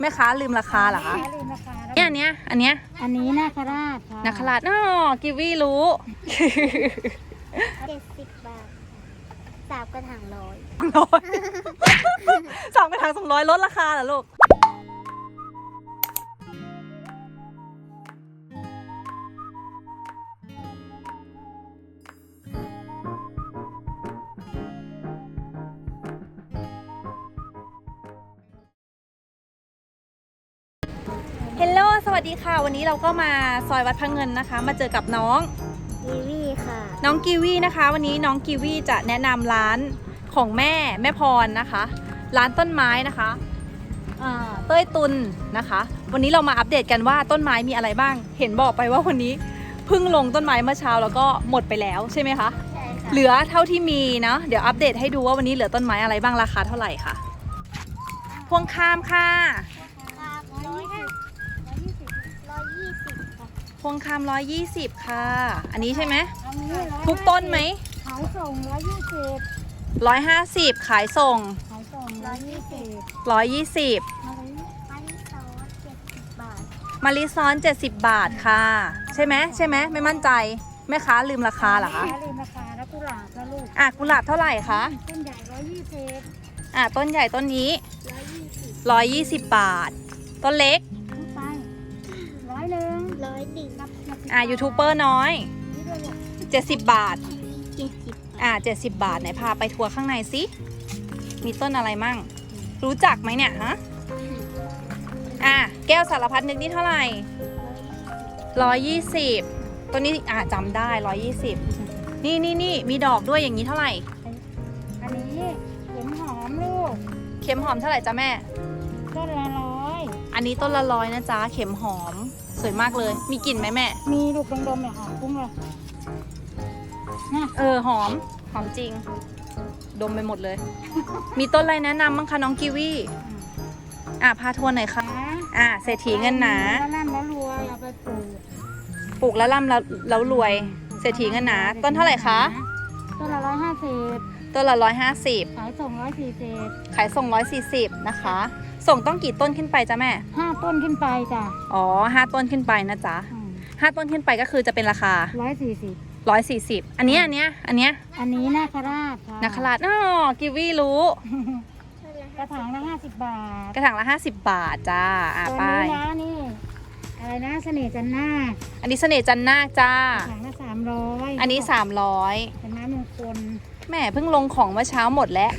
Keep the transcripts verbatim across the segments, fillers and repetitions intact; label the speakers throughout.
Speaker 1: แม่ค้าลืมราคาเหรอคะ
Speaker 2: ลืมราคาแล้ว
Speaker 1: เนี่ยอันเนี้ยอันเนี้ย
Speaker 2: อันนี้นาคราชค่ะ
Speaker 1: นาคราชอ๋อกิวีรู้
Speaker 3: เจ็ดสิบบาทสามกระถางร้อย
Speaker 1: ร้อยสองกระถางสองร้อยลดราคาเหรอลูกเฮลโลสวัสดีค่ะวันนี้เราก็มาซอยวัดพระเงินนะคะมาเจอกับน้อง
Speaker 3: กีวีค่ะ
Speaker 1: น้องกีวีนะคะวันนี้น้องกีวีจะแนะนำร้านของแม่แม่พรนะคะร้านต้นไม้นะคะเต้ยตุลนะคะวันนี้เรามาอัปเดตกันว่าต้นไม้มีอะไรบ้างเห็นบอกไปว่าวันนี้เพิ่งลงต้นไม้เมื่อเช้าแล้วก็หมดไปแล้วใช่ไหมคะ
Speaker 3: ใช่ค่ะ
Speaker 1: เหลือเท่าที่มีนะเดี๋ยวอัปเดตให้ดูว่าวันนี้เหลือต้นไม้อะไรบ้างราคาเท่าไหร่ค่ะพวงข้ามค่ะ
Speaker 3: ครับร้อยห้าร้อยยี่สิบร้อยยี่สิบค่ะ
Speaker 1: พวงข้ามร้อยยี่สิบค่ะอันนี้ใช่ไหม
Speaker 2: อันนี้ร้อย
Speaker 1: ทุกต้นไหม
Speaker 2: ขายส่งร้อยยี่สิบ
Speaker 1: ร้อยห้าสิบขายส่ง
Speaker 2: ขายส่งร้อยยี่สิบ
Speaker 1: ร้อยยี่สิบ
Speaker 2: มาเลย
Speaker 3: อันนี้ซอสเจ็ดสิบบาท
Speaker 1: มาริซ้อนเจ็ดสิบบาทค่ะ ใช่ไหมใช่ไหมไม่มั่นใจแม่ค้าลืมราคาเหรอคะ
Speaker 2: ลืมราคาแล้วกุหลาบแล้วลูก
Speaker 1: อ่ะกุหลาบเท่าไหร่คะ
Speaker 2: ต้นใหญ่ร้อยยี่สิบ
Speaker 1: อ่ะต้นใหญ่ต้นนี้
Speaker 3: ร้อยยี่สิบ
Speaker 1: ร้อยยี่สิบบาท ต้นเล็ก
Speaker 2: ทุกไปร้อยหนึ่ง
Speaker 3: ร้อยติ่ง
Speaker 1: อ่ะยูทูบเบอร์น้อย
Speaker 2: นี่ด้วยลูก
Speaker 1: เจ็ดสิบบาท
Speaker 3: เจ็ดสิบ
Speaker 1: อ่ะเจ็ดสิบบาทไหนพาไปทัวร์ข้างในสิมีต้นอะไรมั่ง รู้จักไหมเนี่ยฮะอ่ะแก้วสารพัดนึกนี่เท่าไหร่ร้อยยี่สิบต้นนี้อ่ะจำได้ร้อยยี่สิบนี่นี่นี่มีดอกด้วยอย่างนี้เท่าไหร่
Speaker 2: อันนี้เข็มหอมลูก
Speaker 1: เข็มหอมเท่าไหร่จ๊ะแม่
Speaker 2: ต้นละร้อย
Speaker 1: อันนี้ต้นละร้อยนะจ๊ะเข็มหอมสวยมากเลย มีกลิ่นไหมแม่
Speaker 2: มีลูกดมๆเนี่ยหอมคุ้งเลยนะ
Speaker 1: เออหอมหอมจริง ดมไปหมดเลย มีต้นอะไรแนะนำบ้างคะน้องกีวีอ่ะพาทัวร์หน่อยค่ะ
Speaker 2: นะ
Speaker 1: อ่ะเศรษฐีเงินหนา
Speaker 2: แล้วนั่นแล้วรวยเอาไปปลูก
Speaker 1: ปลูกแล้วร่ำแล้วแล้วรวย เศรษฐีเงินหนา ต้นเท่าไหร่คะ
Speaker 2: ต้นละร้อยห้าสิบ
Speaker 1: ต้นละร้อยห้าสิบ
Speaker 2: ขายส่งร้อยสี่สิบ
Speaker 1: ขายส่งร้อยสี่สิบนะคะ ส่งต้องกี่ต้นขึ้นไปจ๊ะแม่
Speaker 2: ห้าต้นขึ้นไปจ้ะ
Speaker 1: อ๋อห้าต้นขึ้นไปนะจ๊ะห้าต้นขึ้นไปก็คือจะเป็นราคา
Speaker 2: ร้อยสี่สิบ
Speaker 1: ร้อยสี่สิบอันเนี้ยอันเนี้ยอันเนี้ย
Speaker 2: อันนี้นาคราชค่ะ
Speaker 1: นาคราชอ๋อกีวีรู้
Speaker 2: กระถางละห้าสิบบาท
Speaker 1: กระถางละห้าสิบบาทจ้าอ่ะ
Speaker 2: ตัว
Speaker 1: ไป
Speaker 2: นี้นะนี่อะไรนะเสน่ห์จันนาค
Speaker 1: อันนี้เสน่ห์จันนาคจ้า
Speaker 2: กระถางละสามร้อย
Speaker 1: อันนี้สามร้อย
Speaker 2: เป็นไม้มงคล
Speaker 1: แม่เพิ่งลงของเมื่อเช้าหมดแล้ว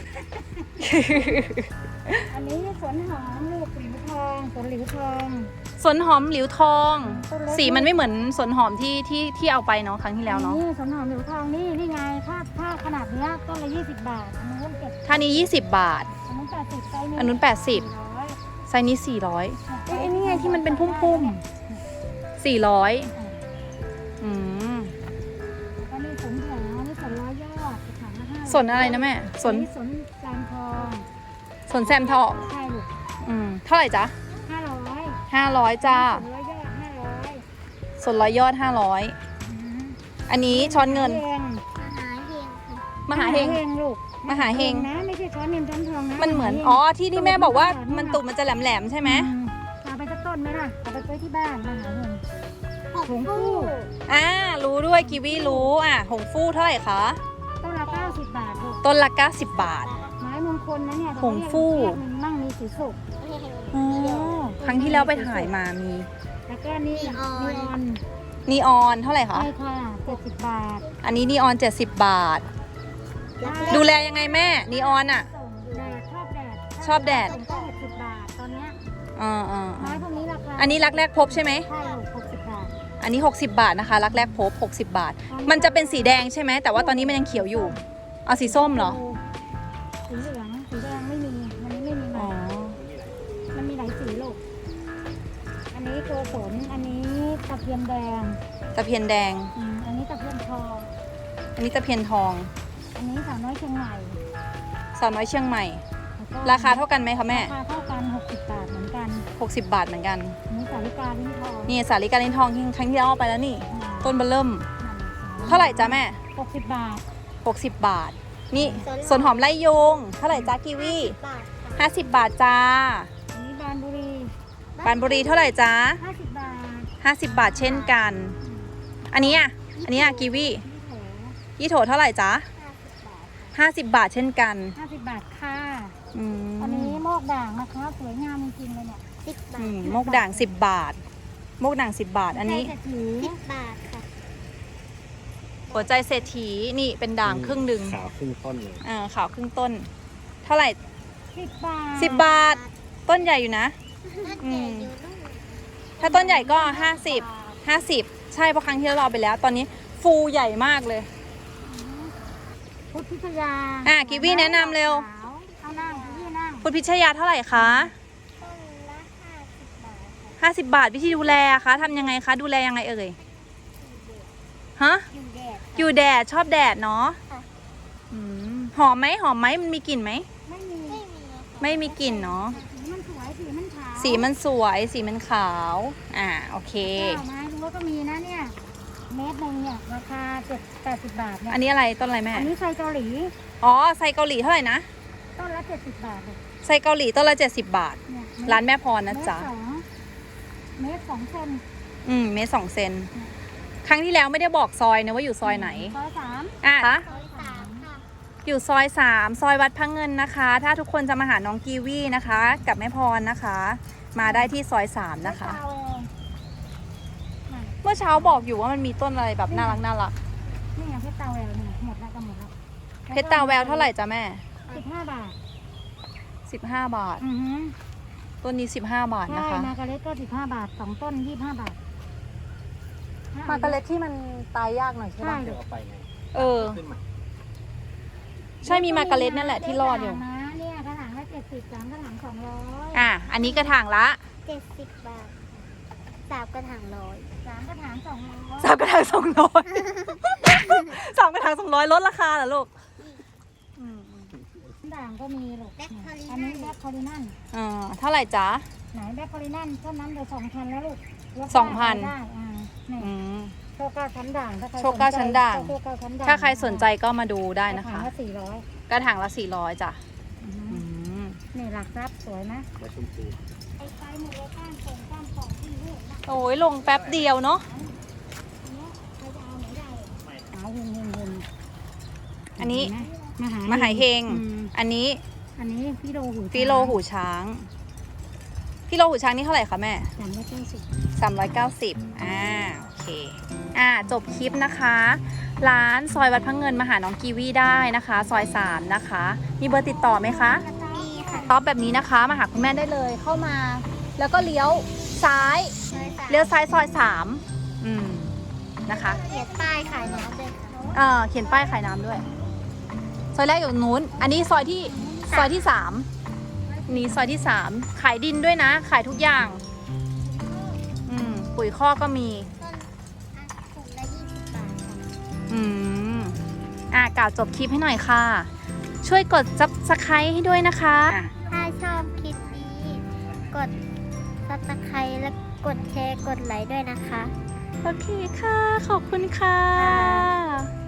Speaker 2: อันนี้สวนหอมลูกหลิวทองสวนหลิวทอง
Speaker 1: สวนหอมหลิวทอง สีมันไม่เหมือนสวนหอมที่ที่ที่เอาไปเนาะครั้งที่แล้วเนาะ
Speaker 2: นี่สวนหอมหลิวทองนี่นี่ไงถ้าถ้าขนาดเนี้ยต้นละยี่สิบบาทอันนู้นเก็บ
Speaker 1: ท่านี้ยี่สิบบาท
Speaker 2: อันนู้นแปดสิบไซส์นี้
Speaker 1: อันนู้นแปดสิบ
Speaker 2: ร้อย
Speaker 1: ไซส์นี้สี่ร้อยเอ้ยนี่ไงที่มันเป็นพุ่มๆสี่ร้อยอืม
Speaker 2: แล้วนี่สวนแผลนี่สวนร้อยยอดกระถางละห้า
Speaker 1: สวนอะไรนะแม่สวน
Speaker 2: นี่สวนจานทอง
Speaker 1: สวนแซมทอง
Speaker 2: ใช่ลูก
Speaker 1: อืมเท่าไหร่จ๊ะ
Speaker 2: ห้าร้อย
Speaker 1: ห้าร้อยจ้า
Speaker 2: สวนร้อยยอดห้าร้อย
Speaker 1: ส่วนร้อยยอดห้าร้อยอันนี้ช้อนเงิน
Speaker 3: มหาเฮงค่ะ
Speaker 1: มหาเฮง
Speaker 2: ลูก
Speaker 1: มหาเฮง
Speaker 2: นะไม่ใช่ช้อนเงินช้อนทองนะ
Speaker 1: มันเหมือน
Speaker 2: าฮง
Speaker 1: อ๋อที่ที่แม่บอกว่ามันตุ่มมันจะแหลมๆใช่ไหม
Speaker 2: อืเอาไปสักต้นไหมล่ะเอาไปไว้ที่บ้านมหาเฮง
Speaker 3: หก
Speaker 2: หงฟู
Speaker 3: คู่
Speaker 1: อ่ารู้ด้วยกีวีรู้อ่ะหงฟู่เท่าไหร่คะ
Speaker 2: ต้นละเก้าสิบบาทลูก
Speaker 1: ต้นละเก้าสิบบาท
Speaker 2: ไม้มงคลนะเนี่ย
Speaker 1: หงฟู่
Speaker 2: เรียกมันมั่งมีสีสุก
Speaker 1: อ๋อครั้งที่แล้วไปถ่ายมามี
Speaker 2: แล้วก็นี่นีออน
Speaker 1: นีออนเท่าไหร่คะ
Speaker 2: ใช่ค่ะเจ็ดสิบบาท
Speaker 1: อันนี้นีออนเจ็ดสิบบาท ดูแลยังไงแม่นีออนอ่ะ
Speaker 2: ส่งแดดชอบแดด
Speaker 1: ชอบแดด
Speaker 2: ส่งก็หกสิบบาทตอนเนี้ย
Speaker 1: อ่าอ่า
Speaker 2: ไม้พวกนี้ราคา
Speaker 1: อันนี้รักแรกพบใช่ไหม
Speaker 2: ใช่ลูกหกสิบบาท
Speaker 1: อันนี้หกสิบบาทนะคะรักแรกพบหกสิบบาท มันจะเป็นสีแดงใช่ไหมแต่ว่าตอนนี้มันยังเขียวอยู่ เอาสีส้มเหรอ
Speaker 2: สีเหลืองสีแดงไม่มีมันนี้ไม่มี
Speaker 1: อ๋
Speaker 2: มา
Speaker 1: อ
Speaker 2: มันมีหลายสีลูกอันนี้ตัวสนอันนี้ตะเพียนแดง
Speaker 1: ตะเพียนแดง
Speaker 2: อืมอันนี้ตะเพียนทอง
Speaker 1: อันนี้ตะเพียนทอง
Speaker 2: อันนี้สาวน้อยเชียงใหม่
Speaker 1: สาวน้อยเชียงใหม่
Speaker 2: แล้วก็
Speaker 1: ราคาเท่ากันไหมคะแม่
Speaker 2: ราคาเท่ากันหกสิบบาทเหมือนกัน
Speaker 1: หกสิบบาทเหมือนกัน
Speaker 2: อันนี้สาลิกาลิ้นทอง
Speaker 1: นี่สาลิกาลินทองที่ครั้งที่แล้วเอาไปแล้วนี่
Speaker 2: อืม
Speaker 1: ต้นเบอเริ่ม
Speaker 2: นั่น
Speaker 1: เท่าไหร่จ๊ะแม่
Speaker 2: หกสิบบาท
Speaker 1: หกสิบบาท นี่ส่วนหอมไล่ยงเท่าไหร่จ๊ะกีวี
Speaker 3: บาทค่ะ
Speaker 1: ห้าสิบบาทจ้า
Speaker 2: อันนี้บานบุรี
Speaker 1: ปานบุรีเท่าไหร่จ๊ะ
Speaker 2: ห้าสิบบาท
Speaker 1: ห้าสิบบาทเช่นกัน อันนี้อ่ะ อันนี้อ่ะกีวี
Speaker 2: นี่โถ
Speaker 1: ยี่โถเท่าไหร่จ๊ะ
Speaker 3: ห้าสิบบาทค่ะ
Speaker 1: ห้าสิบบาทเช่นกัน
Speaker 2: ห้าสิบบาทค่ะ
Speaker 1: อืม
Speaker 2: อันนี้โมกด่างนะคะสวยงามจริงๆเลยเนี่ย
Speaker 3: สิบบา
Speaker 1: อื
Speaker 3: ท
Speaker 1: มโมกด่างสิบบาทโมกด่างสิบบาท อันนี้
Speaker 2: ใช่เศรษฐี
Speaker 3: สิบบาทค่ะ
Speaker 1: หัวใจเศรษฐีนี่เป็นด่างครึ่งหนึ่ง
Speaker 4: ขาวครึ่งต้นเลย
Speaker 1: อ่าขาวครึ่งต้น เท่าไหร่
Speaker 2: สิบบาท
Speaker 1: สิบบาท ต้นใหญ่อยู่นะ
Speaker 3: นั่นใหญ่อยู่นู่น
Speaker 1: ถ้าต้นใหญ่ก็ห้าสิบห้าสิบใช่เพราะครั้งที่เราเอาไปแล้ว ตอนนี้ฟูใหญ่มากเลย
Speaker 2: พุทธพิทยา
Speaker 1: อ่ะกีวีแนะนำเร็ว
Speaker 2: เอานั่งกีวีนั่ง
Speaker 1: พุทธพิชยาเท่าไหร่คะ
Speaker 3: ต้นละห้าสิบบาทค่ะ
Speaker 1: ห้าสิบบาทวิธีดูแลอะคะทำยังไงคะดูแลยังไงเอ่ยฮะ
Speaker 3: อยู่แดด
Speaker 1: อยู่แดดชอบแดดเนาะ
Speaker 3: ค่ะ
Speaker 1: อืมหอมไหมหอมไหมมันมีกลิ่นไหม
Speaker 2: ไม่มี
Speaker 3: ไม่มีค่ะ
Speaker 1: ไม่มีกลิ่นเนาะ
Speaker 2: สีมันสวยสีมันขาว
Speaker 1: สีมันสวยสีมันขาวอ่าโอเค
Speaker 2: เจ้าไม้ดูว่าก็มีนะเนี่ยเม็ดหนึ่งเนี่ยราคาเจ็ดแปดสิบบาทเนี่ย
Speaker 1: อันนี้อะไรต้นอะไรแม่
Speaker 2: อันนี้ไซเกาหลี
Speaker 1: อ๋อไซเกาหลีเท่าไหร่นะ
Speaker 2: ต้นละเจ็ดสิบบาทเลย
Speaker 1: ไซเกาหลีต้นละเจ็ดสิบบาท
Speaker 2: เนี่ย
Speaker 1: ร้านแม่พรนะจ๊ะ
Speaker 2: เมตรสองเมตรสองเซน
Speaker 1: อืมเมตรสองเซนครั้งที่แล้วไม่ได้บอกซอยนะว่าอยู่ซอยไหน
Speaker 2: ซอยสาม
Speaker 1: อ่ะ
Speaker 3: ร้อยสามค่ะ
Speaker 1: อยู่ซอยสามซอยวัดพระเงินนะคะ ถ้าทุกคนจะมาหาน้องกีวีนะคะ กับแม่พรนะคะ มาได้ที่ซอยสามนะคะ
Speaker 2: เอาเองนั่น
Speaker 1: เมื่อเช้าบอกอยู่ว่ามันมีต้นอะไรแบบน่ารักน่ารัก
Speaker 2: นี่ไงเพชรตาแววเนี่ยหมดแล้วก็หมดแล้ว
Speaker 1: เพชรตาแววเท่าไหร่จ๊ะแม่
Speaker 2: สิบห้าบาท
Speaker 1: สิบห้าบาท
Speaker 2: อือฮึ
Speaker 1: ต้นนี้สิบห้าบาท
Speaker 2: ใช่
Speaker 1: นะคะ
Speaker 2: มาการ์เล็ตก็สิบห้าบาทสองต้นยี่สิบห้าบาท
Speaker 1: มาการ์เล็ตที่มันตายยากหน่อยใช่
Speaker 2: ใช่
Speaker 1: ปะ
Speaker 4: เดี๋ยวเอาไปไง
Speaker 1: เออ
Speaker 4: ขึ้นมา
Speaker 1: ใช่มีมาการ์เล็ตนั่นแหละที่รอดอยู่
Speaker 2: นะเนี่ยกระถางละเจ็ดสิบสามกระถางสองร้อย
Speaker 1: อ่ะอันนี้กระถางละ
Speaker 3: เจ็ดสิบบาทสามกระถางร้อย
Speaker 2: สามกระถางสองร้อย
Speaker 1: สามกระถางสองร้อยสามกระถางสองร้อยลดราคาเหรอลูกอืม
Speaker 2: ด่างก็มีลูก
Speaker 3: แบล็คคอริ
Speaker 2: อัน
Speaker 3: นั
Speaker 2: นี้
Speaker 3: น
Speaker 2: แบล็คคอรินัน
Speaker 1: เออเท่าไหร่จ๊ะ
Speaker 2: ไหนแบล็คคอรินันเท่านั้นเดี๋ยวสองพันแล้วลูกลด
Speaker 1: สองพัน
Speaker 2: ได้อ่านี่
Speaker 1: อืม
Speaker 2: โชคเก้าชั้นด่างถ้าใคร
Speaker 1: โชคเก้าชั้นด่าง
Speaker 2: โชคเก้าชั้นด่าง
Speaker 1: ถ้าใครสนใจก็มาดูได้
Speaker 2: กระ
Speaker 1: นะ
Speaker 2: ถาง
Speaker 1: คะ
Speaker 2: ละสี่ร้อย
Speaker 1: กระถางละสี่ร้อยจ้ะอืม
Speaker 2: นี่หลักทรัพย์สวยนะ
Speaker 4: แล้วชมพู
Speaker 2: ไอ้ไฟหมดเลยก้านส่งก้านของที่นี่นะ
Speaker 1: โอ้ยลงแป๊บเดียวเนาะ
Speaker 2: อันเนี้ยใครจะเอาไหนได้หาเฮงเฮงเฮง
Speaker 1: อันนี้
Speaker 2: เห็ไหมมหาม
Speaker 1: หาเฮง
Speaker 2: อืม
Speaker 1: อันนี้
Speaker 2: อันนี้ฟิโลหู
Speaker 1: ฟิโลหูช้างฟิโลหูช้างนี่เท่าไหร่คะแม่
Speaker 2: สามร้อยเก้าสิบ
Speaker 1: สามร้อยเก้าสิบอ่าโอเคอ่าจบคลิปนะคะ ร้านซอยวัดพระเงินมาหาน้องกีวีได้นะคะ ซอยสามนะคะ มีเบอร์ติดต่อไหมคะ
Speaker 3: มีค่ะ
Speaker 1: ต๊อบแบบนี้นะคะ มาหาคุณแม่ได้เลยเข้ามา แล้วก็เลี้ยวซ้าย
Speaker 3: ร้อยสาม
Speaker 1: เลี้ยวซ้ายซอยสามอืมนะคะ
Speaker 3: เขียนป้ายขายน้ำเลยค่ะ
Speaker 1: เออเขียนป้ายขายน้ำด้วย ซอยแรกอยู่นู้น อันนี้ซอยที่ซอยที่สามนี่ซอยที่สามขายดินด้วยนะ ขายทุกอย่าง อืมปุ๋ยคอกก็มี
Speaker 3: ต้นอ่ะถุงละยี่สิบบาทค่ะ
Speaker 1: อืมอ่ะกล่าวจบคลิปให้หน่อยค่ะ ช่วยกด Subscribe ให้ด้วยนะคะอ่ะ
Speaker 3: ถ้าชอบคลิปนี้ กดซับสไครต์และกดแชร์ กดไลค์ด้วยนะคะ
Speaker 1: โอเคค่ะ ขอบคุณค่ะ